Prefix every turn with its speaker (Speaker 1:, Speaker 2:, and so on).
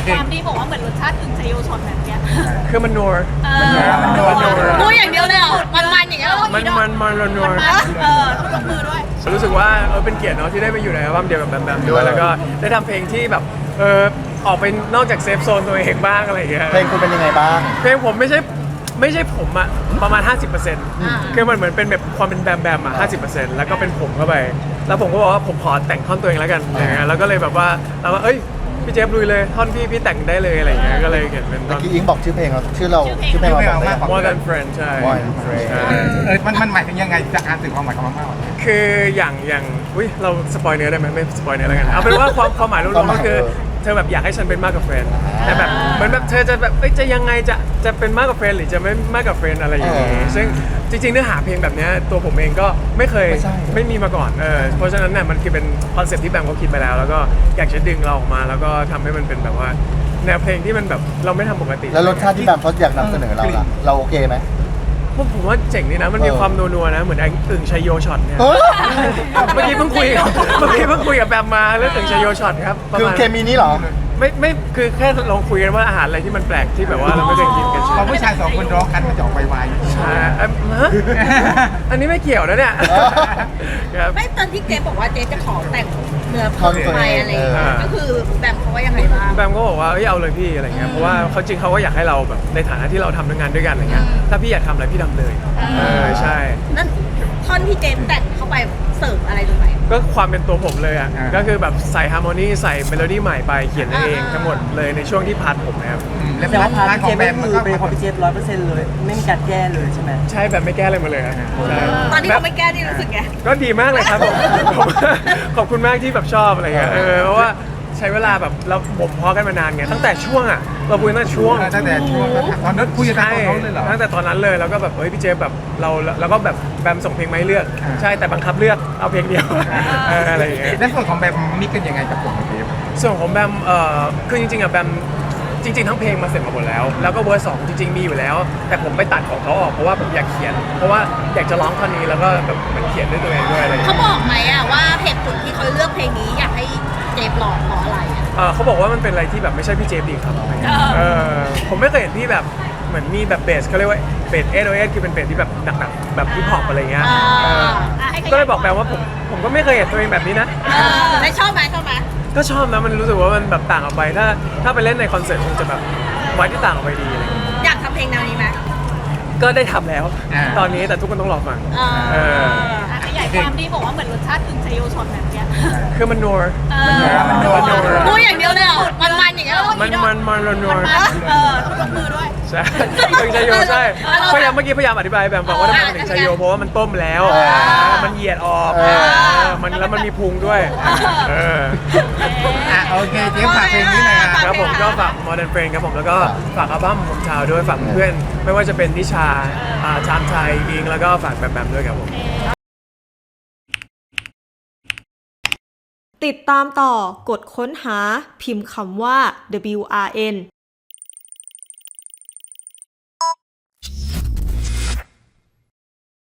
Speaker 1: ความที่บอกว่าเหมือนรสชาติถึงชัยโยช็อตแบบเนี้ย
Speaker 2: คือมันนัว
Speaker 1: พูดอย่างเดียวเลยเหรอมันอย่างเงี้ย
Speaker 2: มันนัว
Speaker 1: ต้องยกมือด้วย
Speaker 2: รู้สึกว่าเป็นเกียรติเนาะที่ได้ไปอยู่ในอัลบั้มเดียวกับแบมแบมด้วยแล้วก็ได้ทำเพลงที่แบบออกไปนอกจากเซฟโซนตัวเองบ้างอะไรอย่างเงี้ย
Speaker 3: เพลงคุณเป็นยังไงบ้าง
Speaker 2: เพลงผมไม่ใช่ผมอะประมาณ 50%คือมันเหมือนเป็นแบบความเป็นแบมแบมอะ50%แล้วก็เป็นผมเข้าไปแล้วผมก็บอกว่าผมขอแต่งท่อนตัวเองแล้วกันอย่างเงี้ยแล้วก็เลยแบบว่าเราว่าเอ้ยพี่เจฟลุยเลยท่อนพี่แต่งได้เลยอะไรอย่างเงี้ยก็เลยเขียนเป็นท่
Speaker 3: เมื่
Speaker 2: อ
Speaker 3: อน กี้อิงบอกชื่อเพลงเราชื่อเพลงเราบอกได้
Speaker 2: More Than Friend ใช่
Speaker 3: More Than Friend
Speaker 2: ใช่
Speaker 4: มันหมายถึงยังไงจากการสื่อความหมายของมากกว่า
Speaker 2: คืออย่างอุ้ยเราสปอยเนื้อได้ไหมไม่สปอยเนื้อแล้วกันเอาเป็นว่าความหมายรวมๆก็คือเธอแบบอยากให้ฉันเป็นมากกว่าเฟรนด์แต่แบบเหมือนแบบเธอจะแบบจะยังไงจะเป็นมากกว่าเฟรนด์หรือจะไม่มากกว่าเฟรนด์อะไรอย่างงี้ซึ่งจริงๆเนื้อหาเพลงแบบเนี้ยตัวผมเองก็ไม่มีมาก่อนเพราะฉะนั้นเนี่ยมันคือเป็นคอนเซ็ปต์ที่แบมเขาคิดไปแล้วก็อยากจะดึงเราออกมาแล้วก็ทำให้มันเป็นแบบว่าแนวเพลงที่มันแบบเราไม่ทำปกติ
Speaker 3: แล้วรสชาติที่แบมเขาอยากนำเสนอเราล่ะเราโอเคไหม
Speaker 2: ผมว่าเจ๋งดีนะมันมีความนัวๆนะเหมือนอึ่งชัยโยช็อตเนี่ย
Speaker 3: เฮ้ย
Speaker 2: เมื่อกี้เพิ่งคุยกับแบมมาเรื่องอึ่งชัยโยช็อตครับประ
Speaker 3: คือ
Speaker 2: มาณ
Speaker 3: เคมีนี้เหรอ
Speaker 2: ไม่คือแค่ลองคุยกันว่าอาหารอะไรที่มันแปลกที่แบบว่าเราไม่เคยกินกัน
Speaker 4: พอผู้ชายสองคนร้องกันมันจะออกไวๆ
Speaker 2: ใช่ฮะอันนี้ไม่เกี่ยวนะเนี่ยครับ
Speaker 1: ไม่ตอนที่เจฟบอกว่าเจฟจะขอแต่งเนื้อ
Speaker 3: ท่อนตัว
Speaker 1: ไป
Speaker 3: เอง
Speaker 1: อะไรอย่างเงี้ยก็คือแบมเขาว่ายังไงบ้าง
Speaker 2: แบมก็บอกว่าเอาเลยพี่อะไรเงี้ยเพราะว่าเขาจริงเขาก็อยากให้เราแบบในฐานะที่เราทำงานด้วยกันอะไรเงี้ยถ้าพี่อยากทำอะไรพี่ทำเลยใช่
Speaker 1: นั่นท่อนที่เจมแต่งเข้าไปเสริมอะไรตรงไหน
Speaker 2: ก็ความเป็นตัวผมเลยอ่ะก็คือแบบใส่ฮาร์โมนีใส่เมโลดี้ใหม่ไปเขียนเองทั้งหมดเลยในช่วงที่พาร์ทผมนะครับ
Speaker 4: แล้ว
Speaker 5: แต่ว่าพาร์ท
Speaker 4: ข
Speaker 5: เจ
Speaker 4: อง
Speaker 5: ฟ
Speaker 4: แบ
Speaker 5: ก็
Speaker 4: มมัน
Speaker 5: คื
Speaker 4: ก็
Speaker 5: อเป็นของพี่เจฟ100%เลย ไม่มีการแก้เลยใช่ไหม
Speaker 2: ใช่แบบไม่แก้อะไรมาเลยครับใช่
Speaker 1: ตอนที่เขาไม่แก้ที่รู้สึกไง
Speaker 2: ก็ดีมากเลยครับผม ขอบคุณมากที่แบบชอบอะไรเงี้ยเพราะว่าใช้เวลาแบบเราบ่มเพาะกันมานานไงตั้งแต่ช่วงอะเราคุยตั้งแต่ช่วง
Speaker 4: ตั้งแต่ช่วงตอนนั้นคุยกันต
Speaker 2: ใช่
Speaker 4: อนนั้นเลยเหรอ
Speaker 2: ตั้งแต่ตอนนั้นเลยแล้วก็แบบเฮ้ยพี่เจฟแบบเราก็แบบแบมส่งเพลงมาให้เลือก
Speaker 4: อ่า
Speaker 2: ใช่แต่บังคับเลือกเอาเพลงเดียวอะไรอย่างเงี้ย
Speaker 4: แล้วส่วนของแบมมิกกันยังไงกับผมกับเจฟ
Speaker 2: ส่วนของแบมคือจริงๆอะแบมจริงๆทั้งเพลงมาเสร็จมาหมดแล้วแล้วก็เวอร์สองจริงๆมีอยู่แล้ว แต่ผมไปตัดของเขาออกเพราะว่าผมอยากเขียน เพราะว่าอยากจะร้องท่อนนี้แล้วก็แบบเหมันเขียนด้วยตัวเองด้วยอะไรอย่าง
Speaker 1: เขา
Speaker 2: เงี้ย
Speaker 1: บอกไหมอะว่าเหตุผลที่เขาเลือกเพลงนี้อยากให้เจฟร้องเพราะอะไรอะ
Speaker 2: เขาบอกว่ามันเป็นอะไรที่แบบไม่ใช่พี่เจฟดีครับผมไม่เคยเห็นพี่แบบเหมือนมีแบบเบสเขาเรียกว่าเบส808คือเป็นเบสที่แบบหนักๆแบบฮิปฮอปอะไรเงี้ยก็เลยบอกแบมว่าผมก็ไม่เคยเห็นตัวเองแบบนี้นะ
Speaker 1: ได้ชอบไหมชอบไหม
Speaker 2: ก็ชอบนะมันรู้สึกว่ามันแบบต่างออกไปถ้าไปเล่นในคอนเสิร์ตคงจะแบบไว้ที่ต่างออกไปดีอะไรเงี้ย
Speaker 1: อยากทำเพลงแนวนี้ไหม
Speaker 2: ก็ได้ทำแล้ว ตอนนี้แต่ทุกคนต้องรอฟัง
Speaker 1: ขยายความที่บอกว่าเหมือนรสชาติถึงชัยโยช็อตแบบเนี้ย
Speaker 2: คือมันนัว
Speaker 1: พูดอย่างเดียวเลยเหรอมันอย่างเงี้ย
Speaker 2: มันนัว
Speaker 1: ต้องยกมือด้วย
Speaker 2: ใช่ถึงชัยโยใช่พยายามเมื่อกี้พยายามอธิบายแบบบอกว่าทำไมมันถึงชัยโยเพราะว่ามันต้มแล้วมันเหยียดออกมันแล้วมันมีพุงด้วย
Speaker 4: โอเคเจฟฝากเพลงนี้หน่อยครับ
Speaker 2: ครับผมก็ฝาก Modern Friend ครับผมแล้วก็ฝากอัลบั้มผมชาวด้วยฝากเพื่อนไม่ว่าจะเป็นนิชาชามชัยอิงแล้วก็ฝากแบมด้วยครับผม
Speaker 6: ติดตามต่อกดค้นหาพิมพ์คำว่า WRN